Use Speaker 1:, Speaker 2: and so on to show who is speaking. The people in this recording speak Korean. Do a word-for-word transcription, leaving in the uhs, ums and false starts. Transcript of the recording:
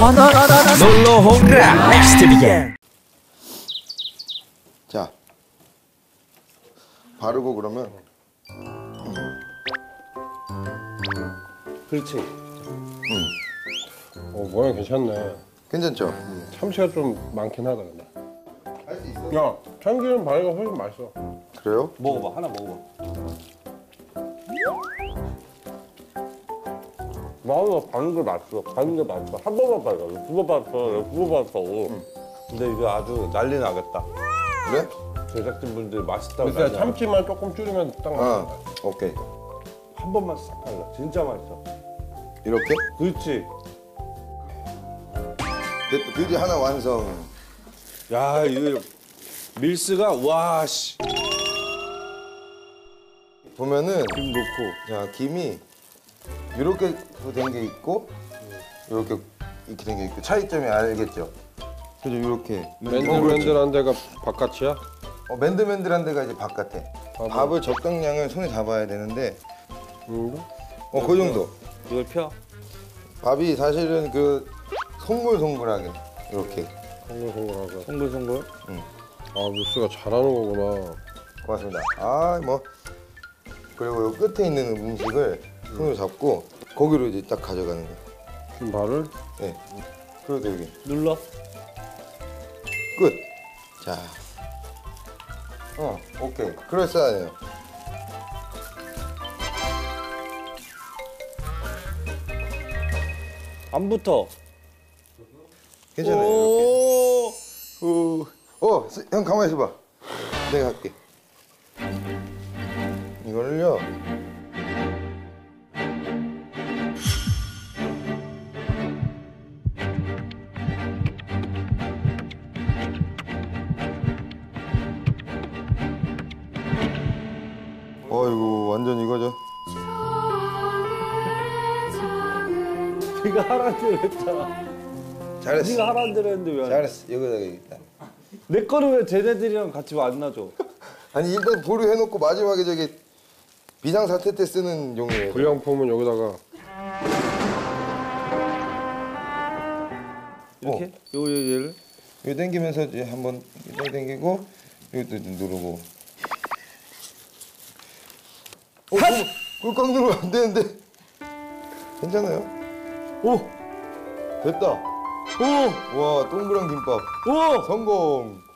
Speaker 1: 놀러 홍라 넥스트 비겐.
Speaker 2: 자, 바르고 그러면
Speaker 3: 그렇지.
Speaker 2: 음.
Speaker 3: 어, 모양 괜찮네.
Speaker 2: 괜찮죠?
Speaker 3: 음, 참치가 좀 많긴 하다 근데.
Speaker 2: 할 수 있어.
Speaker 3: 야, 참기름 바르가 훨씬 맛있어.
Speaker 2: 그래요?
Speaker 4: 먹어봐, 하나 먹어봐.
Speaker 3: 나도 바른 게 맛있어. 바른 게 맛있어. 한 번만 바르. 두번 봤어. 두 번 봤어.
Speaker 4: 근데 이거 아주 난리 나겠다.
Speaker 2: 그래?
Speaker 4: 제작진분들 맛있다고.
Speaker 3: 그래서
Speaker 4: 난리
Speaker 3: 참치만 조금 줄이면 딱
Speaker 2: 아,
Speaker 3: 맞는다.
Speaker 2: 오케이.
Speaker 4: 나겠다. 한 번만 싹 발라. 진짜 맛있어.
Speaker 2: 이렇게?
Speaker 4: 그렇지.
Speaker 2: 됐다. 드디어 하나 완성.
Speaker 4: 야, 이거 밀스가 와 씨.
Speaker 2: 보면은
Speaker 4: 김 넣고.
Speaker 2: 자, 김이 이렇게 된 게 있고 이렇게 이렇게 된 게 있고 차이점이 알겠죠? 그죠? 이렇게
Speaker 3: 맨들맨들한 데가 바깥이야?
Speaker 2: 어, 맨들맨들한 데가 이제 바깥에.
Speaker 3: 밥을.
Speaker 2: 밥을 적당량을 손에 잡아야 되는데
Speaker 3: 응.
Speaker 2: 어, 그 정도.
Speaker 4: 이걸 펴.
Speaker 2: 밥이 사실은 그 송글송글하게 이렇게.
Speaker 3: 송글송글하고.
Speaker 4: 송글송글.
Speaker 3: 아, 밀스가 잘하는 거구나.
Speaker 2: 고맙습니다. 아, 뭐 그리고 요 끝에 있는 음식을 손으로 잡고 거기로 이제 딱 가져가는 거예요.
Speaker 3: 김발을?
Speaker 2: 네. 그리고 여기
Speaker 4: 눌러.
Speaker 2: 끝. 자, 어, 오케이. 그럴싸하네요.
Speaker 4: 안 붙어.
Speaker 2: 괜찮아요.
Speaker 4: 오.
Speaker 2: 이렇게. 어, 스- 형 가만히 있어봐. 내가 할게. 이거를요. 어이구, 완전 이거죠.
Speaker 4: 네가 하라는 대로 했잖아.
Speaker 2: 잘했어.
Speaker 4: 네가 하라는 대로 했는데 왜? 안 해?
Speaker 2: 잘했어. 여기다가 일단.
Speaker 4: 내 거는 왜 쟤네들이랑 같이 만나줘?
Speaker 2: 아니 일단 보류해놓고 마지막에 저기 비상사태 때 쓰는 용이에요.
Speaker 3: 불량품은 여기다가.
Speaker 4: 이렇게? 요, 요 얘를?
Speaker 2: 이거 당기면서 이제 한번 이거 당기고 이것도 누르고. 어, 그거 꽉 누르면 안 되는데. 괜찮아요?
Speaker 4: 오!
Speaker 2: 됐다.
Speaker 4: 오!
Speaker 2: 와, 동그란 김밥.
Speaker 4: 오!
Speaker 2: 성공.